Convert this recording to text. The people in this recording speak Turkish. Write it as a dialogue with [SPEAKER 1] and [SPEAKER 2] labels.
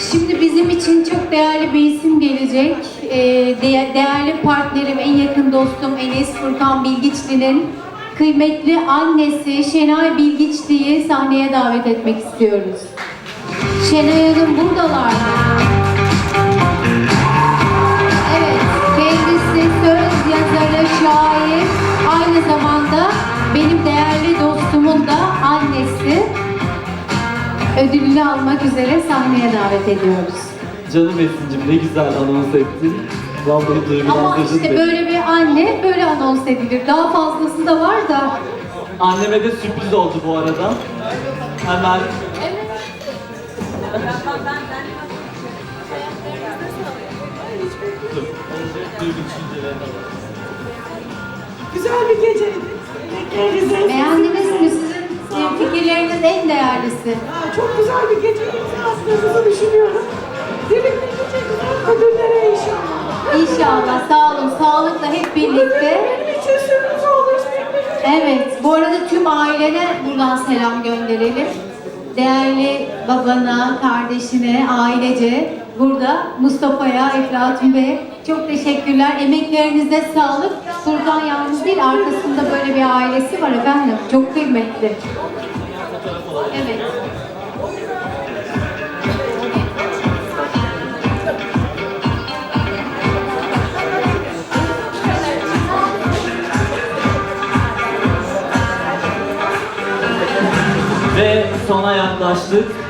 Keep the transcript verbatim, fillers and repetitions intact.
[SPEAKER 1] Şimdi bizim için çok değerli bir isim gelecek. Ee, de- değerli partnerim, en yakın dostum Enes Furkan Bilgiçli'nin kıymetli annesi Şenay Bilgiçli'yi sahneye davet etmek istiyoruz. Şenay Hanım buradalar mı? Evet, kendisi söz yazarı, şair, aynı zamanda benim değerli dostumun da annesi. Ödülünü almak üzere sahneye davet ediyoruz.
[SPEAKER 2] Canım Esin'cim ne güzel anons ettin. Vallahi
[SPEAKER 1] Ama
[SPEAKER 2] duygulandırdın
[SPEAKER 1] işte
[SPEAKER 2] beni.
[SPEAKER 1] böyle bir anne böyle anons edilir. Daha fazlası da var da.
[SPEAKER 2] Anneme de sürpriz oldu bu arada. Hemen dur. Önce duygu düşüncelerini alalım.
[SPEAKER 3] Güzel bir geceydi. Emeklerinize.
[SPEAKER 1] Beğendiniz mi? Sizin e, fikirleriniz en değerlisi.
[SPEAKER 3] Aa, çok güzel bir gece imza attığınızı düşünüyorum. Birlikte nice güzel ödüllere inşallah.
[SPEAKER 1] İnşallah. Sağ olun. Sağlıkla hep birlikte.
[SPEAKER 3] Benim için sürpriz olur.
[SPEAKER 1] Evet. Bu arada tüm ailene buradan selam gönderelim. Değerli babana, kardeşine, ailece burada Mustafa'ya, Eflatun Bey'e çok teşekkürler. Emeklerinize sağlık. Furkan yalnız değil, arkasında böyle bir ailesi var efendim. Çok kıymetli. Evet.
[SPEAKER 2] Ve sona yaklaştık.